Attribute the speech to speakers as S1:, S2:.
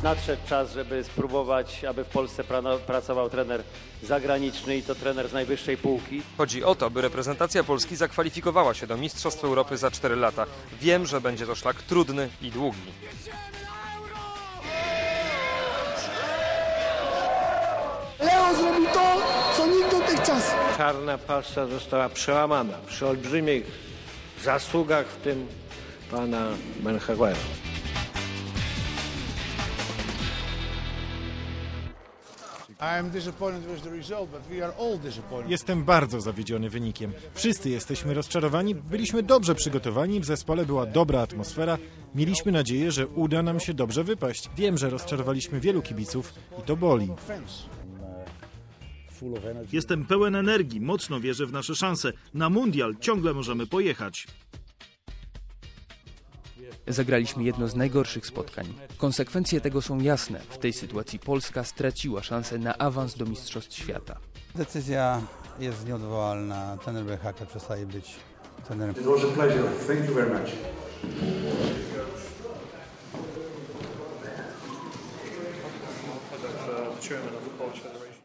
S1: nadszedł czas, żeby spróbować, aby w Polsce pracował trener zagraniczny i to trener z najwyższej półki.
S2: Chodzi o to, by reprezentacja Polski zakwalifikowała się do Mistrzostw Europy za 4 lata. Wiem, że będzie to szlak trudny i długi.
S3: Leo zrobił to, co nikt dotychczas.
S4: Czarna pasa została przełamana przy olbrzymich zasługach, w tym pana Menchegera.
S5: Jestem bardzo zawiedziony wynikiem. Wszyscy jesteśmy rozczarowani, byliśmy dobrze przygotowani, w zespole była dobra atmosfera, mieliśmy nadzieję, że uda nam się dobrze wypaść. Wiem, że rozczarowaliśmy wielu kibiców i to boli.
S6: Jestem pełen energii, mocno wierzę w nasze szanse. Na mundial ciągle możemy pojechać.
S7: Zagraliśmy jedno z najgorszych spotkań. Konsekwencje tego są jasne. W tej sytuacji Polska straciła szansę na awans do Mistrzostw Świata.
S8: Decyzja jest nieodwołalna. Trener BHK przestaje być trenerem.
S9: It was a pleasure. Thank you very much. Chairman of the Polish Federation.